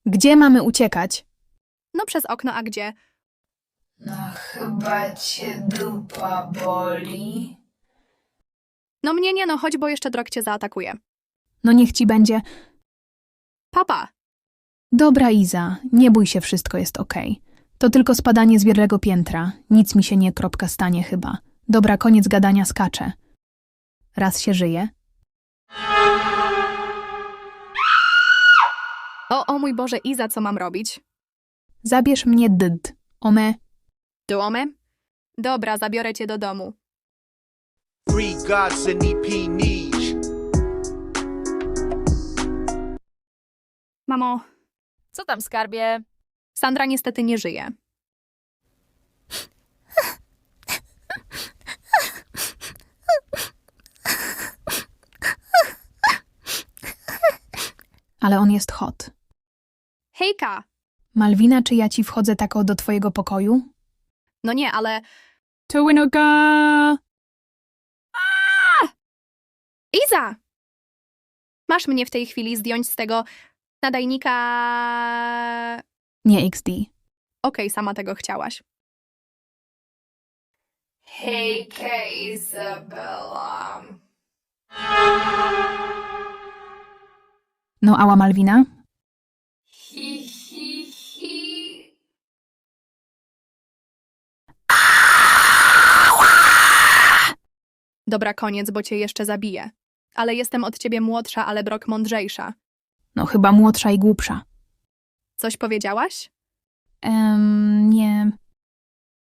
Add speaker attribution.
Speaker 1: Gdzie mamy uciekać?
Speaker 2: No przez okno, a gdzie?
Speaker 3: No chyba cię dupa boli.
Speaker 2: No mnie nie, no chodź, bo jeszcze drog cię zaatakuje.
Speaker 1: No niech ci będzie.
Speaker 2: Papa!
Speaker 1: Dobra, Iza, nie bój się, wszystko jest okej. To tylko spadanie z wielkiego piętra. Nic mi się nie stanie chyba. Dobra, koniec gadania, skaczę. Raz się żyje.
Speaker 2: O mój Boże, Iza, co mam robić?
Speaker 1: Zabierz mnie Ome.
Speaker 2: Domy? Dobra, zabiorę cię do domu.
Speaker 4: Free gods and EP niche.
Speaker 2: Mamo,
Speaker 5: Co tam, skarbie?
Speaker 2: Sandra niestety nie żyje.
Speaker 1: Ale on jest hot.
Speaker 2: Hejka!
Speaker 1: Malwina, czy ja ci wchodzę tako do twojego pokoju?
Speaker 2: No nie, ale...
Speaker 1: To winoga!
Speaker 2: Iza! Masz mnie w tej chwili zdjąć z tego nadajnika...
Speaker 1: Nie XD.
Speaker 2: Okej, sama tego chciałaś.
Speaker 3: Hejka, Izabela.
Speaker 1: No ała, Malwina?
Speaker 3: Hi, hi, hi.
Speaker 2: Dobra, koniec, bo cię jeszcze zabiję. Ale jestem od ciebie młodsza, ale Brok mądrzejsza.
Speaker 1: No chyba młodsza i głupsza.
Speaker 2: Coś powiedziałaś?
Speaker 1: Nie.